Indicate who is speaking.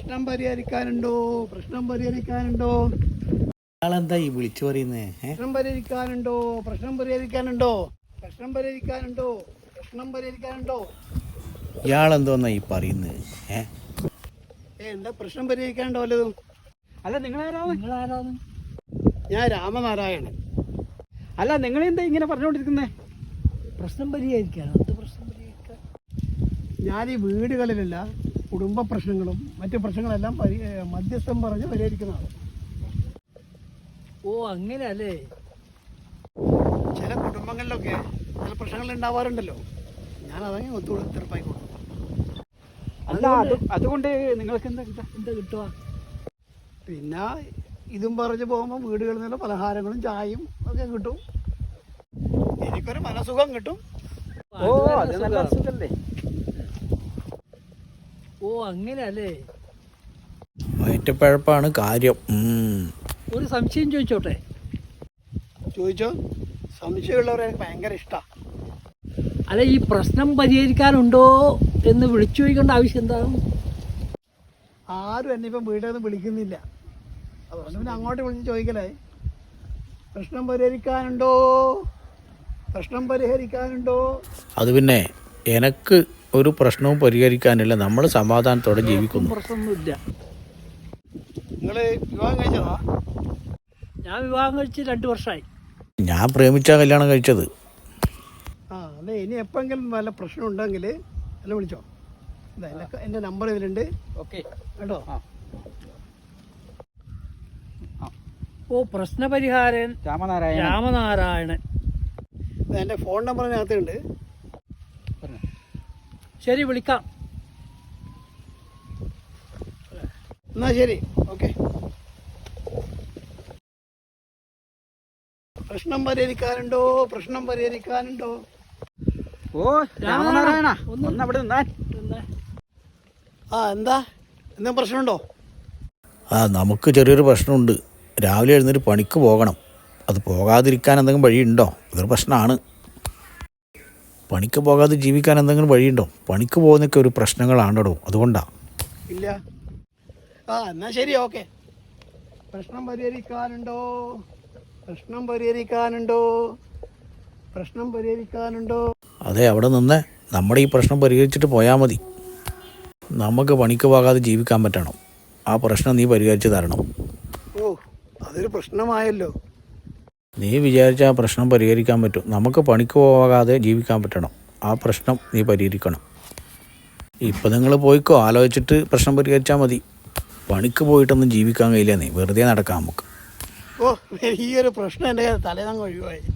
Speaker 1: പ്രശ്നം പരിഹരിക്കാനുണ്ടോ? പ്രശ്നം പരിഹരിക്കാനുണ്ടോ?
Speaker 2: അയാളെന്താ ഈ വിളിച്ചു പറയുന്നേ?
Speaker 1: പ്രശ്നം പരിഹരിക്കാനുണ്ടോ? പ്രശ്നം പരിഹരിക്കാനുണ്ടോ? പ്രശ്നം പരിഹരിക്കാനുണ്ടോ? പ്രശ്നം പരിഹരിക്കാനുണ്ടോ?
Speaker 2: ഇയാളെന്തോന്നാ ഈ പറയുന്നത്?
Speaker 1: എന്താ പ്രശ്നം പരിഹരിക്കാനുണ്ടോ വല്ലതും?
Speaker 3: അല്ല നിങ്ങളാരാണ്?
Speaker 1: ഞാൻ രാമനാരായണൻ.
Speaker 3: അല്ല നിങ്ങളെന്താ ഇങ്ങനെ പറഞ്ഞുകൊണ്ടിരിക്കുന്നേ?
Speaker 1: പ്രശ്നം പരിഹരിക്കാനോ? എന്ത് പ്രശ്നം പരിഹരിക്കാൻ? ഞാൻ ഈ വീടുകളിലുള്ള കുടുംബ പ്രശ്നങ്ങളും മറ്റു പ്രശ്നങ്ങളെല്ലാം മധ്യസ്ഥം പറഞ്ഞ് പരിഹരിക്കുന്നതാണ്.
Speaker 3: ഓ അങ്ങനെ അല്ലേ?
Speaker 1: ചില കുടുംബങ്ങളിലൊക്കെ ചില പ്രശ്നങ്ങൾ ഉണ്ടാവാറുണ്ടല്ലോ, ഞാൻ അതങ്ങനെ തീർപ്പായി കൊടുക്കും.
Speaker 3: അല്ല അതുകൊണ്ട് നിങ്ങൾക്ക് എന്താ കിട്ടുക?
Speaker 1: പിന്നെ ഇതും പറഞ്ഞ് പോകുമ്പോൾ വീടുകളിൽ നിന്നുള്ള പലഹാരങ്ങളും ചായയും ഒക്കെ കിട്ടും. എനിക്കൊരു മനസുഖം കിട്ടും.
Speaker 3: ഓ അത് നല്ല സുഖല്ലേ? ഓ അങ്ങനെ അല്ലേ?
Speaker 2: വയറ്റപ്പഴപ്പാണ് കാര്യം.
Speaker 3: ഒരു സംശയം ചോദിച്ചോട്ടെ?
Speaker 1: ചോദിച്ചോ. സംശയമുള്ളവരെ എനിക്ക് ഭയങ്കര ഇഷ്ടമാണ്.
Speaker 3: അല്ല ഈ പ്രശ്നം പരിഹരിക്കാനുണ്ടോ എന്ന് വിളിച്ചു ചോദിക്കേണ്ട ആവശ്യം എന്താണ്?
Speaker 1: ആരും എന്നെ ഇപ്പം വീട്ടിൽ നിന്ന് വിളിക്കുന്നില്ല, അതുകൊണ്ട് പിന്നെ അങ്ങോട്ട് വിളിച്ച് ചോദിക്കലേ. പ്രശ്നം പരിഹരിക്കാനുണ്ടോ? പ്രശ്നം പരിഹരിക്കാനുണ്ടോ?
Speaker 2: അത് പിന്നെ എനക്ക് ഒരു പ്രശ്നവും പരിഹരിക്കാനില്ല. നമ്മൾ സമാധാനത്തോടെ ജീവിക്കുന്നു.
Speaker 3: പ്രശ്നമൊന്നുമില്ല.
Speaker 1: നിങ്ങൾ വിവാഹം കഴിച്ചതാ?
Speaker 3: ഞാൻ വിവാഹം കഴിച്ച് 2 വർഷമായി.
Speaker 2: ഞാൻ പ്രേമിച്ചാ കല്യാണം കഴിച്ചത്.
Speaker 1: അതെ, ഇനി എപ്പോഴെങ്കിലും വല്ല പ്രശ്നം ഉണ്ടെങ്കിൽ എന്നെ വിളിച്ചോ. എൻ്റെ നമ്പർ ഇതിലുണ്ട്.
Speaker 3: ഓക്കെ
Speaker 1: കേട്ടോ?
Speaker 3: ഓ പ്രശ്നപരിഹാരൻ രാമനാരായണൻ.
Speaker 1: എൻ്റെ ഫോൺ നമ്പറിനകത്തുണ്ട്.
Speaker 3: ശരി വിളിക്കാം.
Speaker 1: എന്നാൽ ശരി, ഓക്കെ. പ്രശ്നം പരിഹരിക്കാനുണ്ടോ? പ്രശ്നം പരിഹരിക്കാനുണ്ടോ?
Speaker 3: ഓ രാമനാരായണ ഒന്നവിടെ നിന്നാ.
Speaker 1: എന്താ എന്തെങ്കിലും പ്രശ്നമുണ്ടോ?
Speaker 2: നമുക്ക് ചെറിയൊരു പ്രശ്നമുണ്ട്. രാവിലെ എഴുന്നേറ്റ് പണിക്ക് പോകണം. അത് പോകാതിരിക്കാൻ എന്തെങ്കിലും വഴിയുണ്ടോ? ഇതൊരു പ്രശ്നമാണ്. പണിക്ക് പോകാതെ ജീവിക്കാൻ എന്തെങ്കിലും വഴിയുണ്ടോ? പണിക്ക് പോകുന്നതൊക്കെ ഒരു പ്രശ്നങ്ങളാണോ? അതുകൊണ്ടാണ്.
Speaker 1: ഇല്ല. എന്നാൽ ശരി, ഓക്കെ. പ്രശ്നം പരിഹരിക്കാനുണ്ടോ? പ്രശ്നം പരിഹരിക്കാനുണ്ടോ? പ്രശ്നം പരിഹരിക്കാനുണ്ടോ?
Speaker 2: അതെ, അവിടെ നിന്ന് നമ്മുടെ ഈ പ്രശ്നം പരിഹരിച്ചിട്ട് പോയാൽ മതി. നമുക്ക് പണിക്ക് പോകാതെ ജീവിക്കാൻ പറ്റണം. ആ പ്രശ്നം നീ പരിഹരിച്ച് തരണം.
Speaker 1: ഓ, അതൊരു പ്രശ്നമായല്ലോ.
Speaker 2: നീ വിചാരിച്ച ആ പ്രശ്നം പരിഹരിക്കാൻ പറ്റും. നമുക്ക് പണിക്ക് പോകാതെ ജീവിക്കാൻ പറ്റണം. ആ പ്രശ്നം നീ പരിഹരിക്കണം. ഇപ്പം നിങ്ങൾ പോയിക്കോ, ആലോചിച്ചിട്ട് പ്രശ്നം പരിഹരിച്ചാൽ മതി. പണിക്ക് പോയിട്ടൊന്നും ജീവിക്കാൻ കഴിയില്ല. നീ വെറുതെ നടക്കാം നമുക്ക്.
Speaker 1: ഓ, ഈ ഒരു പ്രശ്നം എൻ്റെ തലേന്നങ്ങ് ഒഴിവായി.